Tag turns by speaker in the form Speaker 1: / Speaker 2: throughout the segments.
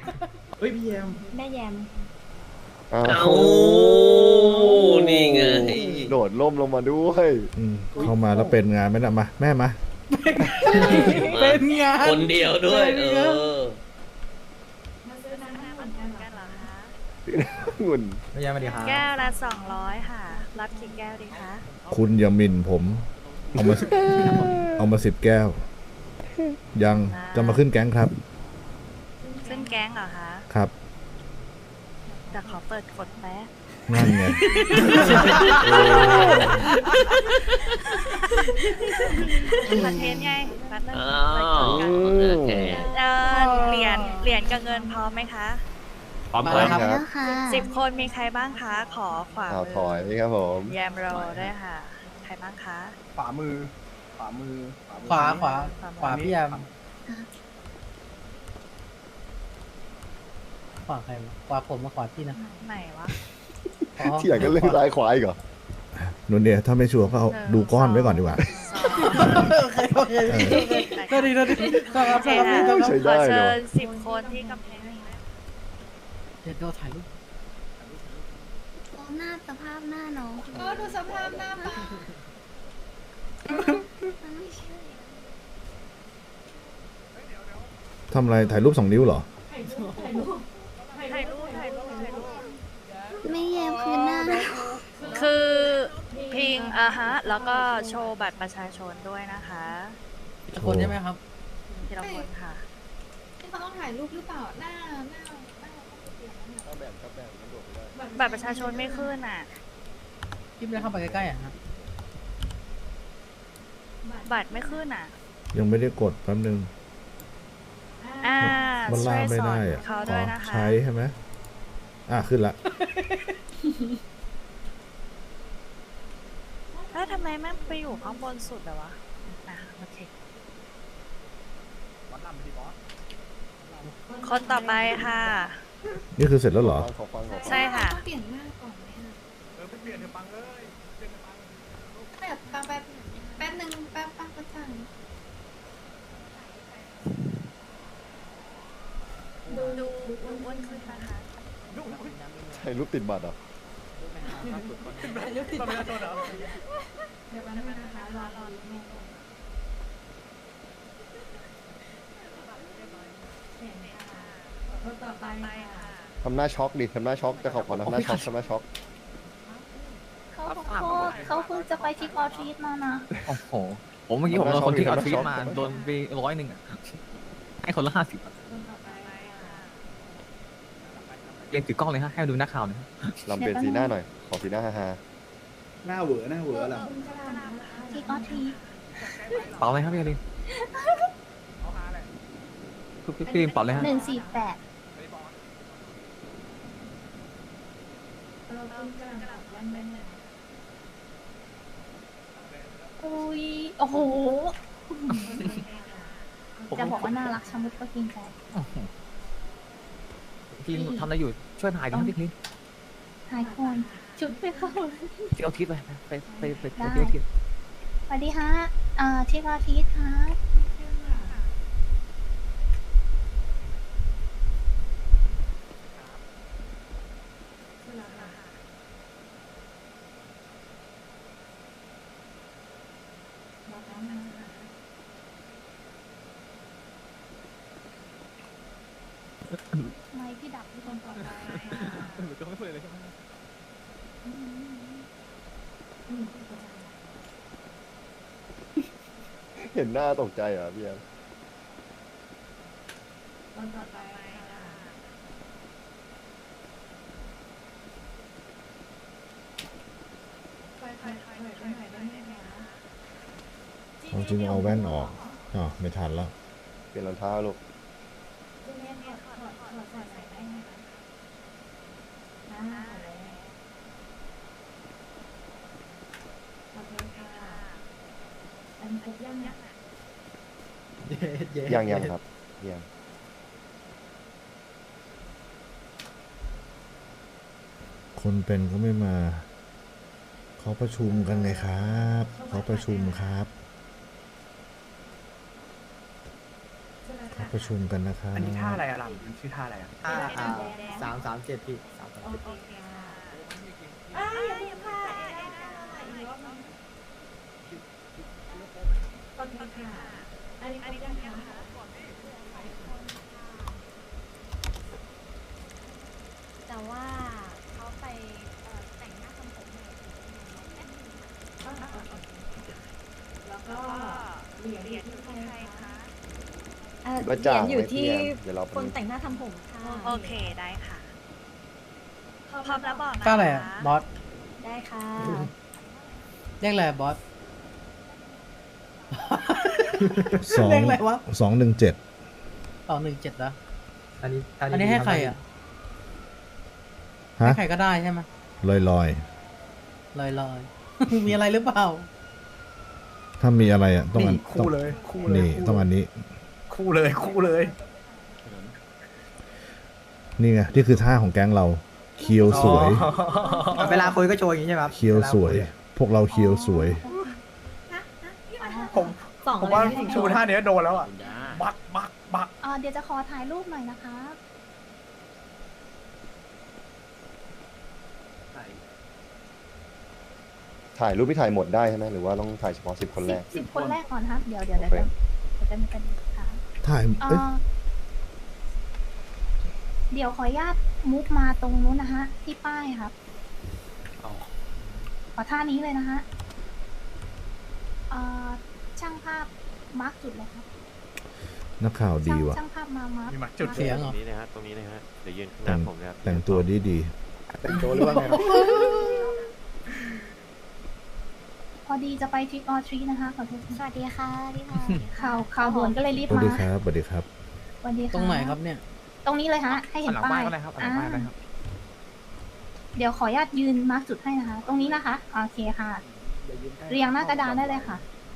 Speaker 1: เฮ้ยพี่แยม
Speaker 2: แม่แยม
Speaker 3: อ้า
Speaker 4: เอ้าว นี่ไง
Speaker 3: โดดล่มลงมาด้วย
Speaker 5: เข้ามาแล้วเป็นงานไหมนะมาแม่มา
Speaker 1: เป็นงาน
Speaker 4: คนเดียวด้วย
Speaker 2: มาซื้อน้ำเหมือนกันเหรอคะ
Speaker 3: งุ่น
Speaker 1: พี่แยมสวัสดีครับ
Speaker 2: แก้วละ200ค่ะ รับกี่แก้วดีคะ
Speaker 5: คุณอย่าหมิ่นผม เอามา10 แก้ว ยังจะมาขึ้นแก๊งครับ
Speaker 2: ขึ้นแก๊งเหรอคะ
Speaker 5: ครับ
Speaker 2: แต่ขอเปิดกดแป๊บ
Speaker 5: นั่นไง
Speaker 2: คอนเทนต์ไงแป๊บนึง
Speaker 4: อ้า
Speaker 2: เปิดก
Speaker 4: ว
Speaker 2: ดกัน
Speaker 4: โอเค
Speaker 2: เหรียญกับเงินพร้อมไหมคะ
Speaker 4: พร้อม
Speaker 1: มา
Speaker 4: ค
Speaker 1: แล้
Speaker 4: รั
Speaker 1: ว
Speaker 4: บ
Speaker 1: ครับ
Speaker 2: 10 คนมีใครบ้างคะ ขอขวา
Speaker 3: ข่าว
Speaker 2: มื
Speaker 3: ถอยครับผม
Speaker 2: แยมโรด้วยค่ะ ใครบ้างคะ
Speaker 6: ขวามือ ขวามือ
Speaker 1: ขวาขวาพี่แยมขวาใครวะขวาผมมาขวาพี่นะ
Speaker 2: ไหนวะ
Speaker 1: อ๋อ
Speaker 3: ที่อยากก็เล่นซ้ายขวาอีกเหรอ
Speaker 5: นุ่นเนี่ยถ้าไม่ชัวร์ก็เอาดูก้อนไว้ก่อนดีกว่า
Speaker 1: โอเคโอเคก็ดีครับครับ
Speaker 3: ใช้
Speaker 2: ขอ
Speaker 3: ได้
Speaker 2: เชิ
Speaker 3: เนาะ
Speaker 2: ญ10 คนที่กำแพงนี้นะ
Speaker 1: เดี๋ยวเราถ่ายรูป
Speaker 7: หน้าสภาพหน้าน้องดูสภาพหน้าป้ามันไม่ใช่
Speaker 5: ทำอะไรถ่ายรูป2 นิ้วเหรอ
Speaker 2: ถ่ายรูป
Speaker 7: ไม่แยมคือหน้า
Speaker 2: คือพิงฮะ แล้วก็โชว์บัตรประชาชนด้วยนะคะ
Speaker 1: ทุกคนใช่ไหมครับ
Speaker 2: ทีละคนค่ะ
Speaker 7: ที่เขาต้องถ่ายรูปหรือเปล่า หน้า
Speaker 2: บัตรประชาชนไม่ขึ้นอ่ะ
Speaker 1: พี่ไม่ได้เข้าไปใกล้ๆอ่ะฮะ
Speaker 2: บัตรไม่ขึ้นอ่ะ
Speaker 5: ยังไม่ได้กดแป๊บนึง
Speaker 2: อ่า
Speaker 5: มัน
Speaker 2: ช่
Speaker 5: ล่า
Speaker 2: วย
Speaker 5: ไม่
Speaker 2: สอ
Speaker 5: ได้
Speaker 2: น
Speaker 5: อะ
Speaker 2: เขาด้วยนะคะ
Speaker 5: ใช้ใช่ไหมขึ้นละ
Speaker 2: แล้วทำไมแม่งไปอยู่ข้างบนสุดเลยวะอ่ะโอเคคนต่อไปค่ะ
Speaker 5: นี่คือเสร็จแล้วเหรอ
Speaker 3: ขอฟัง
Speaker 2: ใช่ค่ะ
Speaker 7: ต้องเปลี่ยนหน้าก่อนไหมคะเปลี่ยนเถอะปังเลยแบบปังแป๊บนึงแป๊บก็สั่ง
Speaker 2: ดูอ้วนขึ้นนะคะ
Speaker 3: ใช้รูปติดบัตรเหรอ
Speaker 2: ต่อไปค่ะ
Speaker 3: ทำหน้าช็อกดิทำหน้าช็อกจะขอทำหน้าช็อกทำหน้าช็อก
Speaker 7: เขาขอโทษเขาเพิ่งจะไปที่ออทรีตมานะ
Speaker 6: โอ้โห ผมเมื่อกี้ผมโดนคนที่เอาทวีตมา โดนไป100อ่ะ ให้คนละ50อ่ะ
Speaker 2: คนต่อไปค่ะ
Speaker 6: เรียนถือกล้องเลยฮะ ให้ดูนักข่าวหน่อยฮะ
Speaker 3: ลำเปลี่ยนสีหน้าหน่อย ขอสีหน้าฮา
Speaker 1: หน้าเหวอล่ะ
Speaker 7: ที่ออทรีต
Speaker 6: เป่าเลยครับพี่อลินพี่ลินเป่าเลยฮะ
Speaker 7: 148อุ้ยโอ้โห จะบอกว่าน่ารักชะมุดก็กินใจ
Speaker 6: พี่ลินทำอะไรอยู่ ช่วยถ่ายดิครับพี่ลิน
Speaker 7: หายคนชุดไปเข้า
Speaker 6: ที่เอาทิศไป
Speaker 7: ได้
Speaker 6: ที่เอาทิศ
Speaker 7: สวัสดีฮะที่ออทรีตครับไม่พี่ดับที่คนต่อไป
Speaker 6: ก็ไม่พูดเลยใช่ไหม
Speaker 3: เห็นหน้าตกใจเหรอพี่แอม
Speaker 2: คนต่อไปค่ะ
Speaker 5: จริงๆเอาแว่นออกไม่ทันแล้ว
Speaker 3: เปลี่ยนรองเท้าลูก ยังครับยัง
Speaker 5: คนเป็นก็ไม่มา เขาประชุมกันไงครับ เขาประชุมครับ
Speaker 2: ส
Speaker 5: เขาประชุมกันนะครับ
Speaker 4: อันนี้ท่าอะไรอะลำมันชื่อท่าอะไรอะ
Speaker 1: 337พี่
Speaker 8: แต่ว่าเขาไปแต่งหน้าทำผมใหม่แล้วก็เหรียญอยู่ที่ใครคะเห
Speaker 3: ว่า
Speaker 8: รี
Speaker 3: จ้าย
Speaker 8: ญอยู่ที่
Speaker 3: เดี๋ยวเรา
Speaker 8: คนแต่งหน้าทำผมค่ะ
Speaker 2: โอเคได้ค่ะพร้อมแล้วบอกนะ
Speaker 1: ก้าอะไรอ่ะบอส
Speaker 8: ได้ค่ะ
Speaker 1: เรียกอะไรบอส
Speaker 5: สอง
Speaker 1: เลขอะไรวะ
Speaker 5: 217
Speaker 1: 217แล้ว
Speaker 4: อันนี้
Speaker 1: อันนี้ให้ใครอ่ะ
Speaker 5: ฮะ
Speaker 1: ให้ใครก็ได้ใช่ไหม
Speaker 5: ลอย
Speaker 1: ลอยๆ มีอะไรหรือเปล่า
Speaker 5: ๆ ถ้ามีอะไรอ่ะต้องอัน
Speaker 4: คู่เลยคู่เลย
Speaker 5: นี่ต้องอันนี้
Speaker 4: คู่เลยคู่เลย
Speaker 5: นี่ไงนี่คือท่าของแก๊งเราเคียวสวย
Speaker 1: เวลาคุยก็โชว์อย่างนี้ใช่ไหมครับ
Speaker 5: เคียวสวย พวกเราเคียวสวย
Speaker 4: ผม
Speaker 8: สอง
Speaker 4: ผมว่า
Speaker 8: อะไรไม่
Speaker 4: ชูท่านี้โดนแล้วอ่ะบักบักบัก
Speaker 8: เดี๋ยวจะขอถ่ายรูปหน่อยนะคะ
Speaker 3: ถ่ายรูปที่ถ่ายหมดได้ใช่ไหมหรือว่าต้องถ่ายเฉพาะ10 คนแรก
Speaker 8: 10 คนแรกก่อนครับ เดี๋ยวจะมีกันค่ะ
Speaker 5: ถ่ายเอ้ย
Speaker 8: เดี๋ยวขออนุญาตมุกมาตรงนู้นนะฮะ ที่ป้ายครับ ขอท่านี้เลยนะฮะช่างภาพมาร์กจุดเลยครับ
Speaker 5: นักข่าวดีว่ะ
Speaker 8: ช่างภาพมาร์ก
Speaker 4: มีหมักจุด
Speaker 1: เสียงเหรอ
Speaker 9: ตรงนี้นะฮะ ตรงนี้นะฮะ เดี๋ยวยืนข้างห
Speaker 5: แต่
Speaker 9: น้าง ผมนะครับ
Speaker 5: แต่งตัวดี
Speaker 3: แต่งตัวหรือว่าไงครับ
Speaker 8: พอดีจะไปทริกออทรีนะคะขอโทษสวัสดีค่ะพี่ค่ะข่าวด่วนก็เลยรี
Speaker 5: ๆ
Speaker 8: บ
Speaker 5: สวัส
Speaker 8: มา
Speaker 5: ดีครับสวัสดีครับ
Speaker 8: สวัสดีค่ะ
Speaker 1: ตรงไหนครับเนี่ย
Speaker 8: ตรงนี้เลยฮะ ให้เห็น
Speaker 6: หลัง
Speaker 8: ป้า
Speaker 6: บ้าน
Speaker 8: ย
Speaker 6: ก็ได้ครับหลังบ้านก็ได้ครับ
Speaker 8: เดี๋ยวขออนุญาตยืนมาร์กจุดให้นะคะ ตรงนี้นะคะ โอเคค่ะ เรียงหน้ากระดานได้เลยค่ะ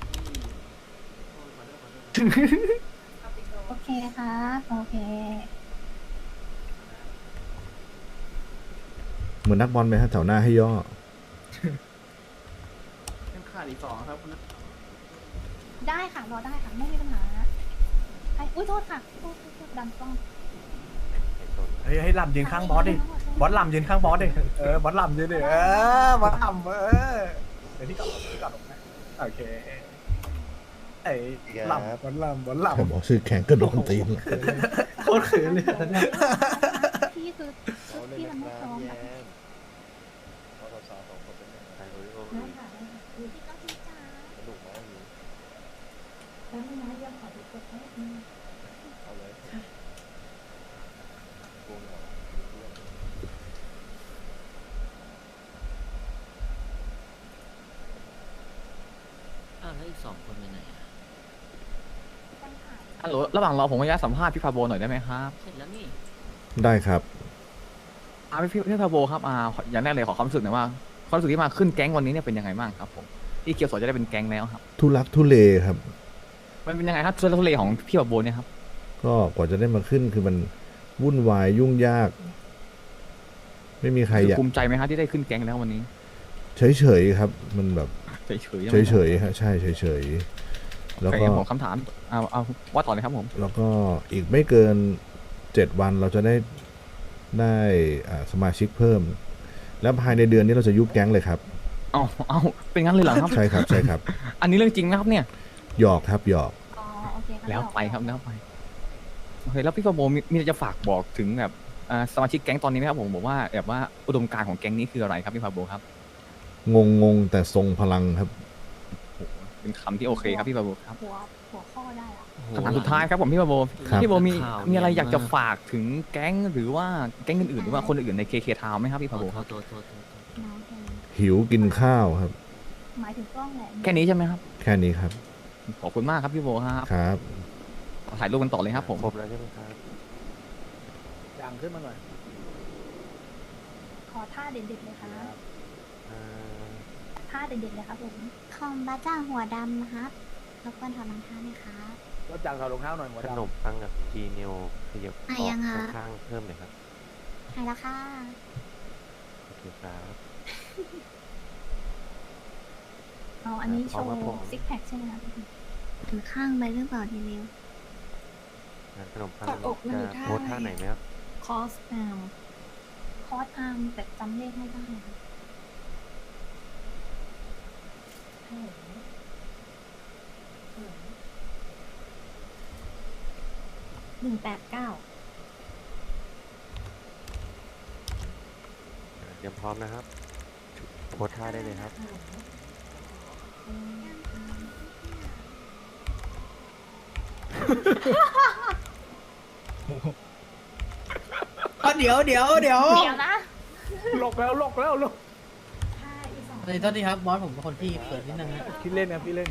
Speaker 8: โอเคครับโอเค
Speaker 5: เหมือนนักบอลไหมฮะแถวหน้าให้ย่อ
Speaker 4: ขาดอีก2ครับคุณ
Speaker 8: ได้ค่ะ รอได้ค่ะ ไม่มีปัญหาอุ้ยโทษค่ะโทษดันกล้อง
Speaker 4: เฮ้ยให้ลำยืนข้างบอสดิบอสลำยืนข้างบอสดิบอสลำยืนดิบอสลำเดี๋ยวที่กลับนะโอเคไอ้ลำบอสลำบอสล
Speaker 5: แต่บอกชื่อแข่งก็โดนตีน
Speaker 4: ำโคตรเขินเลยตอนนี้
Speaker 8: พี่คือชุดที่มันไม่พร้อมค่ะ
Speaker 9: ถ่ายโอริโอ
Speaker 8: ได้ค่ะพี่ก็พี่จ๋า
Speaker 3: สนุกมากเลย
Speaker 8: แล้วไม่นะยังขอดูกดให้
Speaker 3: เอาเลยโกงเหรอ
Speaker 9: แล้วอีก2 คนไปไหน
Speaker 6: ฮัลโหลระหว่างรอผมขออนุญาตสัมภาษณ์พี่พาโบหน่อยได้ไหมครับ
Speaker 9: เสร็จแล้วนี่
Speaker 5: ได้ครับ
Speaker 6: พี่พาโบครับอย่างแรกเลยขอความรู้สึกหน่อยว่าความรู้สึกที่มาขึ้นแก๊งวันนี้เนี่ยเป็นยังไงบ้างครับผมที่เกียวโสจะได้เป็นแก๊งแล้วครับ
Speaker 5: ทุลักทุเลครับ
Speaker 6: มันเป็นยังไงครับทุลักทุเลของพี่พาโบเนี่ยครับ
Speaker 5: ก็กว่าจะได้มาขึ้นคือมันวุ่นวายยุ่งยาก ไม่มีใครอยาก
Speaker 6: ภูมิใจไหมครับที่ได้ขึ้นแก๊งแล้ววันนี้
Speaker 5: เฉยๆครับ มันแบบ
Speaker 6: เฉยๆ
Speaker 5: เฉยๆฮะใช่เฉยๆแล้ว
Speaker 6: โอเค
Speaker 5: ก็
Speaker 6: ผมคำถามเอาว่าต่อเลยครับผม
Speaker 5: แล้วก็อีกไม่เกิน7 วันเราจะได้สมาชิกเพิ่ม แล้วภายในเดือนนี้เราจะยุบแก๊งเลยครับ
Speaker 6: เอาเป็นงั้นเลยเหรอครับ
Speaker 5: ใช่ครับใช่ครับ
Speaker 6: อันนี้เรื่องจริงนะครับเนี่ย
Speaker 5: หยอกครับหยอก
Speaker 8: อ๋อโอเค
Speaker 6: แล้วไปครับแล้วไปโอเคแล้วพี่พาโบมีอะไรจะฝากบอกถึงแบบสมาชิกแก๊งตอนนี้ไหมครับผมบอกว่าแบบว่าอุดมการณ์ของแก๊งนี้คืออะไรครับพี่พาโบครับ
Speaker 5: งงแต่ทรงพลังครับ
Speaker 6: เป็นคำที่โอเคครับพี่พาโบครับ
Speaker 8: หัวข้อได้ละ
Speaker 6: คำถามสุดท้ายครับผมพี่พาโบ
Speaker 5: ครับ
Speaker 6: พี่พาโบมีอะไรอยากจะฝากถึงแก๊งหรือว่าแก๊งอื่นๆหรือว่าคนอื่นใน KK Town ไหมครับพี่พาโบครับ
Speaker 8: น้องแค่นี้
Speaker 5: หิวกินข้าวครับ
Speaker 8: หมายถึงกล้องแหละ
Speaker 6: แค่นี้ใช่ไหมครับ
Speaker 5: แค่นี้ครับ
Speaker 6: ขอบคุณมากครับพี่โบครับ
Speaker 5: ครับ
Speaker 6: ถ่ายรูปกันต่อเลยครับผม
Speaker 9: ครบแล้วใช่ไหมครับ
Speaker 1: อย่างขึ้นมาหน่อย
Speaker 8: ขอท่าเด็ดๆเลยค่ะ
Speaker 9: อ่า
Speaker 8: ท่าเด็ดๆเลยครับผมคอมบ้าจ้างหัวดำนะครับรบกวนถอดรองเท้าหน่อยครับ
Speaker 1: รถจังถอดรองเท้าหน่อยหมด
Speaker 9: ขนมปังกับจีเนียวขยับอ
Speaker 8: อ่ะ
Speaker 9: อก
Speaker 8: ยังฮะ
Speaker 9: ข้างๆเพิ่มเลยครับ
Speaker 8: หายแล้วค่ะ
Speaker 9: โอเคครับ
Speaker 8: อ๋ออันนี้โช
Speaker 9: เอา
Speaker 8: ว์
Speaker 9: มาผม
Speaker 8: ซิกแพคใช่ไหมครับถึงข้างไปหรือเปล่าทีเดียว
Speaker 9: ขนมปัง
Speaker 7: กอดอกมัน
Speaker 9: จะ
Speaker 7: อยู่ท่า
Speaker 9: โพสท่าไหนไหมครับ
Speaker 7: คอสอาร์ม
Speaker 8: คอร์สอาร์มแต่จำเลขไม่ได้ค่ะ
Speaker 7: 189
Speaker 9: เตรียมพร้อมนะครับ โพสท่าได้เลยครับ
Speaker 1: เดี๋ยว
Speaker 8: เดี๋ยวนะ
Speaker 4: หลกแล้วหลกแล้วหลก
Speaker 1: ในโทษทีครับบอสผมเป็นคนที่เปิดนิดนึงนะ
Speaker 4: พี่เล่นนะพี่เล่น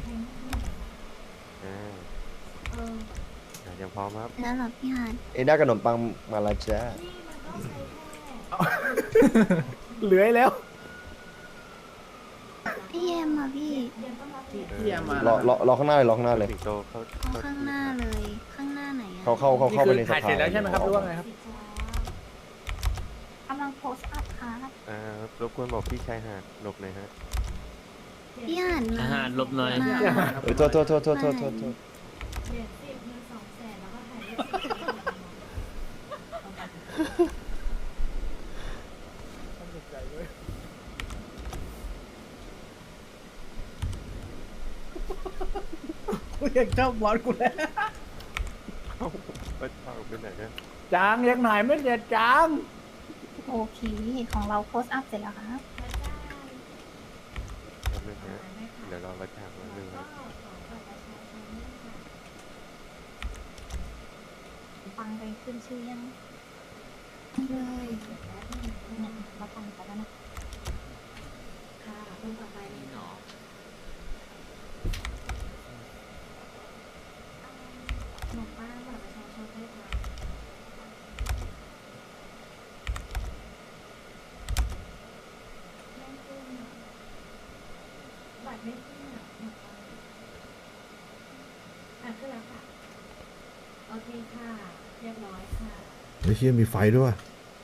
Speaker 9: เตรียมพร้อมครับ
Speaker 8: แล้วเหรอพี่ฮาน
Speaker 3: เอ็ด้าขนมปังมาและจ้า
Speaker 4: เหลือแล้ว
Speaker 8: พี่เอ็มอ่ะพี่
Speaker 1: พี่ยามาร
Speaker 3: อข้างหน้าเลยรอข้างหน้าเลย
Speaker 9: สิงโตเขา
Speaker 8: เอาข้างหน้าเลยข้างหน้าไหนอ่ะ
Speaker 3: เข้าไปในส
Speaker 4: ถ่าย
Speaker 3: ภา
Speaker 4: เสร็จแล้วใช่ไหมครับหรือว่าไงครับ
Speaker 8: กำลังโพสต์อัพค่ะ
Speaker 9: รบกวนบอกพี่ชายหาดหลบหน่อยฮะ
Speaker 8: พี่ฮานมา
Speaker 1: ลบหน่อย
Speaker 8: มา
Speaker 3: โทษ
Speaker 1: กูยังชอบบอสกูแล้ว
Speaker 9: ไปพาไปไหนนะ
Speaker 4: จางยังไหนไม่เสร็จจาง
Speaker 8: โอเคของเราโพสต์อัพเสร็จแล้วครับ
Speaker 9: แป๊บนึงนะเดี๋ยวรอประชาชนนึงครับ
Speaker 8: ฟังไปขึ้นชื่อยังเลยเนี่ยเราฟังไปแล้วนะ
Speaker 7: ค่ะคนต่อไปเลยเนาะ ขนมปังบัตรประชาชนด้วยค่ะไม่ขึ้นอะบัตรไม่ขึ้นอ่ะขนมปังขึ้นแล้วค่ะ โอเคค่ะ เรียบร้อยค่ะ
Speaker 5: ไอ้เชี่ยมีไฟด้วยว่ะ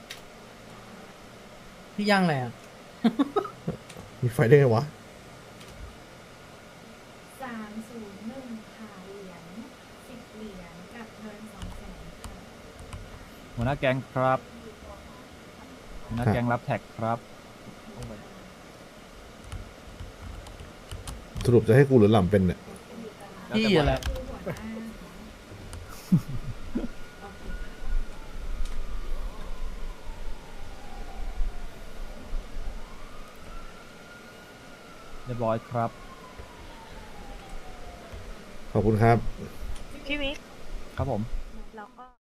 Speaker 1: พี่ย่างอะไรอ่ะ
Speaker 5: มีไฟได้ไงวะ
Speaker 7: 301ค่ะเหรียญ10 เหรียญกับเงิน200,000ค่ะ
Speaker 6: หัวหน้าแก๊งครับหัวหน้าแก๊งรับแท็กครับ
Speaker 5: สรุปจะให้กูหรือหล่ำเป็นเนี่ย
Speaker 1: พี่อะไร
Speaker 7: คือหัวหน้าโอเคค่ะ
Speaker 6: เรียบร้อยครับ
Speaker 5: ขอบคุณครับ
Speaker 2: พี่วิก
Speaker 6: ครับผม
Speaker 2: แล้วก็